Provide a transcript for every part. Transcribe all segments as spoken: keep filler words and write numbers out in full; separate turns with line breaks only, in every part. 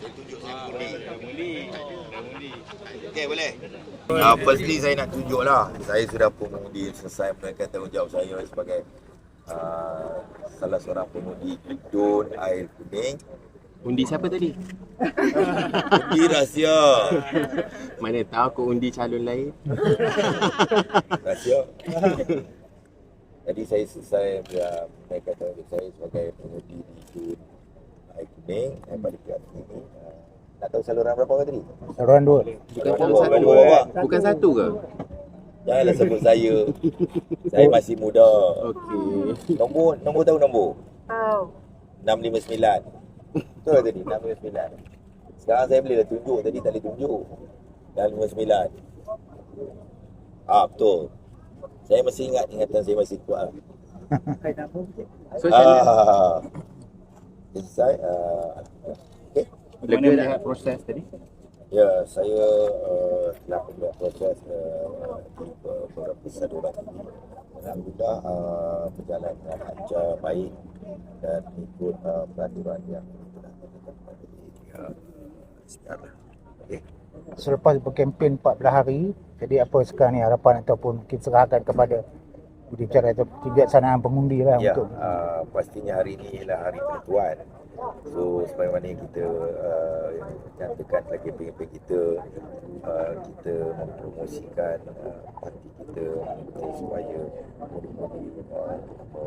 Saya tunjuk saya mengundi. Mengundi. Okey, boleh? Uh, firstly saya nak tunjuklah saya sudah pun mengundi selesai menunaikan tanggungjawab saya sebagai uh, salah seorang pengundi Dun Air Kuning.
Undi siapa tadi?
Undi rahsia.
Mana tahu aku undi calon lain.
Rahsia. Jadi saya selesai menunaikan tanggungjawab saya sebagai pengundi di Dun Air Kuning daripada pihak ini. Uh, nak tahu saluran berapa ke tadi?
Saluran dua.
Bukan
Saluran
salah
dua,
satu.
dua, Pak.
Bukan satu ke?
Janganlah sebut saya. Saya masih muda.
Okey.
Nombor, nombor tahu nombor?
Tahu.
enam lima sembilan. Betul lah tadi, enam lima sembilan. Sekarang saya boleh dah tunjuk, tadi tak boleh tunjuk. enam lima sembilan. Ah, betul. Saya masih ingat, ingatan saya masih kuat.
So macam mana?
Ah. Selesai. Ah. Okay.
Lega dah.
Proses tadi?
Ya, saya uh, telah membuat proses uh, di beberapa saluran ini. Alhamdulillah uh, berjalan dengan lancar, baik dan ikut uh, peraturan yang telah ditetapkan oleh pihak sekarang. Okey.
Selepas berkempen empat belas hari, jadi apa sekarang ni harapan ataupun kita serahkan kepada jurubicara atau kebijaksanaan pengundi lah
Ya,
untuk
uh, pastinya hari ini ialah hari penentuan. So sebagaimana yang kita uh, nyatakan dalam kempen-kempen kita, uh, kita mempromosikan uh, parti kita uh, supaya menjadi uh,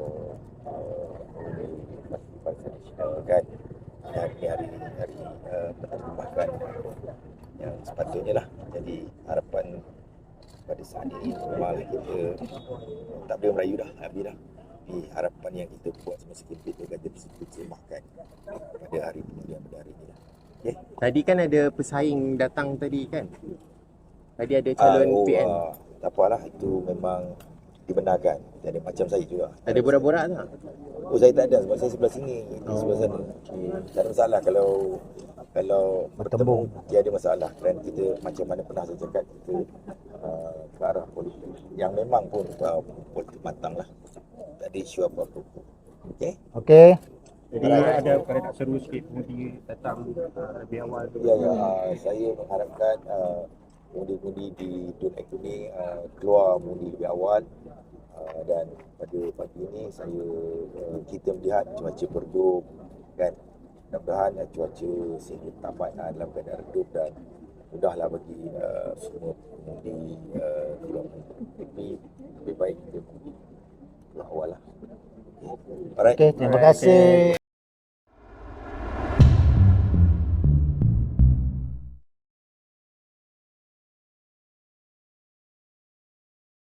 uh, parti nasional kan. Dan ini hari hari uh, penerbitan yang sepatutnya lah. Jadi harapan pada saat ini memang kita uh, tak boleh merayu dah, habis dah. Tapi harapan yang kita buat semasa kempen itu akan diterjemahkan pada hari pengundian pada hari ini lah. Okay?
Tadi kan ada pesaing datang tadi kan? Tadi ada calon
Ah, oh,
P N.
ah, tak apalah, itu memang dibenarkan. Jadi macam saya juga.
Ada borak-borak tak?
Oh, saya tak ada sebab saya sebelah sini, ini
Oh.
sebelah sana. Tak ada masalah kalau kalau bertemu, dia ada masalah. Dan kita macam mana pernah saya cakap, kita uh, ke arah politik yang memang pun uh, politik matang lah. Tak ada isu apa-apa. Okey?
okey.
Jadi ada perkara nak seru sikit pengundi datang uh, lebih awal tu.
Ya, ya. Uh, saya mengharapkan uh, pengundi-pengundi di Dun Air Kuning uh, keluar mengundi lebih awal. Uh, dan pada pagi ini saya uh, kita melihat cuaca berdup kan. Mudah-mudahan uh, cuaca sehingga tamat uh, dalam keadaan redup dan mudahlah bagi uh, semua pengundi uh, keluar mengundi. Tapi lebih baik kita mengundi keluar awal lah. Okay. Alright.
Okey, terima kasih.